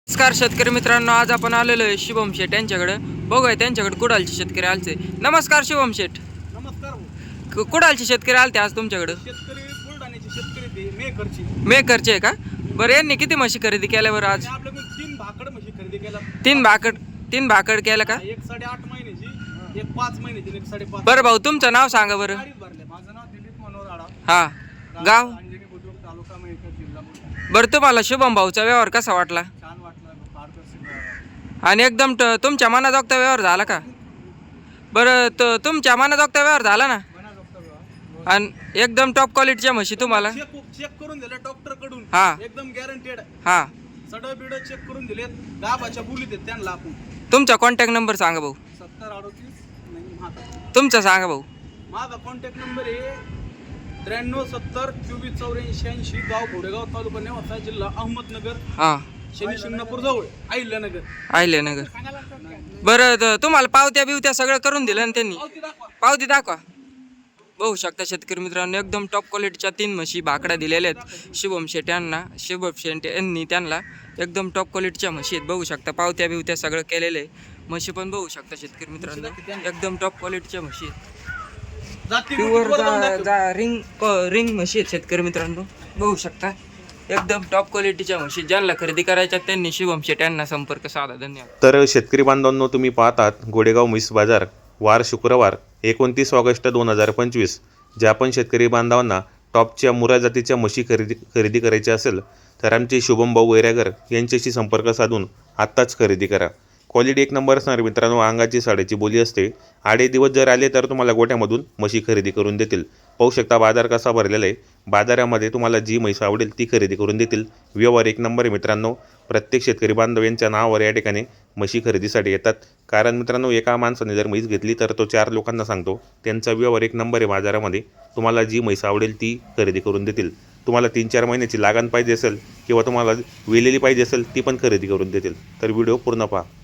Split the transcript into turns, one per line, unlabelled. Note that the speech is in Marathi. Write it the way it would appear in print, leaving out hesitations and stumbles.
नमस्कार शेतकरी मित्रांनो, आज आपण आलेलो आहे शुभम शेठ यांच्याकडे. बघूया त्यांच्याकडे कुडालचे शेतकरी आलते. नमस्कार शुभम शेठ.
नमस्कार.
कुडालचे शेतकरी आलते आज तुमच्याकडे.
शेतकरी बुलढाण्याचे शेतकरी ते मेकरची.
मेकरचे आहे का? बरं, यांनी किती म्हशी खरेदी केल्या बरं आज?
आपल्याकडे 3 भाकड म्हशी खरेदी केल्या.
तीन भाकड केल्या का?
एक 8.5 महिन्याची, एक 5 महिन्याची, एक 5.5.
बरं भाऊ, तुमचं नाव सांगा बरं.
माझं नाव दिलीप मनोहर आडा.
हा, गाव.
अंजनी बुद्रुक, तालुका मेकर, जिल्हा बुलढाणा.
बरं, तुम्हाला शुभम भाऊचा व्यवहार कसा वाटला?
छान वाटलं, पारदर्शक.
आणि एकदम तुमच्या मनाजोगता व्यवहार झाला का? बरं, तुमच्या मनाजोगता व्यवहार झाला ना? आणि एकदम टॉप क्वालिटीच्या म्हशी तुम्हाला
चेक करून दिले डॉक्टर कडून.
हा.
एकदम गॅरंटेड.
हा,
सडळ बिड चेक करून दिलेत. गाभाच्या बोलीत आहेत त्यांना आपण.
तुमचा कॉन्टॅक्ट नंबर सांगा भाऊ.
7038 नाही माझा.
तुमचा सांगा भाऊ.
माझा कॉन्टॅक्ट नंबर आहे 93 70 24 84 80. गाव घोडेगाव, तालुका नेवासा, जिल्हा अहमदनगर,
हा,
शनी शिंगणापूर जवळ, अहिल्यानगर.
आहिल्यानगर. बरं, तुम्हाला पावत्या बिवत्या सगळं करून दिलं ना त्यांनी?
पावती दाखवा.
पावती दाखवा. बघू शकता शेतकरी मित्रांनो, एकदम टॉप क्वालिटीच्या 3 म्हशी भाकड्या दिलेल्या आहेत शुभम शेठ यांना. शुभम शेठ यांनी त्यांना एकदम टॉप क्वालिटीच्या म्हशी आहेत. बघू शकता पावत्या बिवत्या सगळं केलेलं आहे. म्हशी पण बघू शकता शेतकरी मित्रांनो, एकदम टॉप क्वालिटीच्या म्हशी आहेत.
जाती
प्युअर
वर जाऊन दाखव.
रिंग म्हशी आहेत शेतकरी मित्रांनो. बघू शकता एकदम टॉप क्वालिटीच्या म्हशी. ज्यांना खरेदी करायच्या त्यांनी शुभम शेठ यांना संपर्क साधा. धन्यवाद.
तर शेतकरी बांधवांनो, तुम्ही पाहतात गोडेगाव म्हैस बाजार, वार शुक्रवार 29 ऑगस्ट 2025. ज्या पण शेतकरी बांधवांना टॉपच्या मुरा जातीच्या म्हशी खरेदी करायची असेल तर आमचे शुभम भाऊ वैरागर यांच्याशी संपर्क साधून आत्ताच खरेदी करा. क्वालिटी एक नंबर असणार मित्रांनो. अंगाची साडेची बोली असते. आडे दिवस जर आले तर तुम्हाला गोठ्यामधून म्हशी खरेदी करून देतील. पाहू शकता बाजार कसा भरलेला आहे. बाजारामध्ये तुम्हाला जी म्हैस आवडेल ती खरेदी करून देतील. व्यवहार एक नंबर आहे मित्रांनो. प्रत्येक शेतकरी बांधव यांच्या नावावर या ठिकाणी म्हशी खरेदीसाठी येतात. कारण मित्रांनो, एका माणसाने जर म्हैस घेतली तर तो 4 लोकांना सांगतो. त्यांचा व्यवहार एक नंबर आहे बाजारामध्ये. तुम्हाला जी म्हैस आवडेल ती खरेदी करून देतील. तुम्हाला 3-4 महिन्याची लागण पाहिजे असेल किंवा तुम्हाला वेलेली पाहिजे असेल ती पण खरेदी करून देतील. तर व्हिडिओ पूर्ण पहा.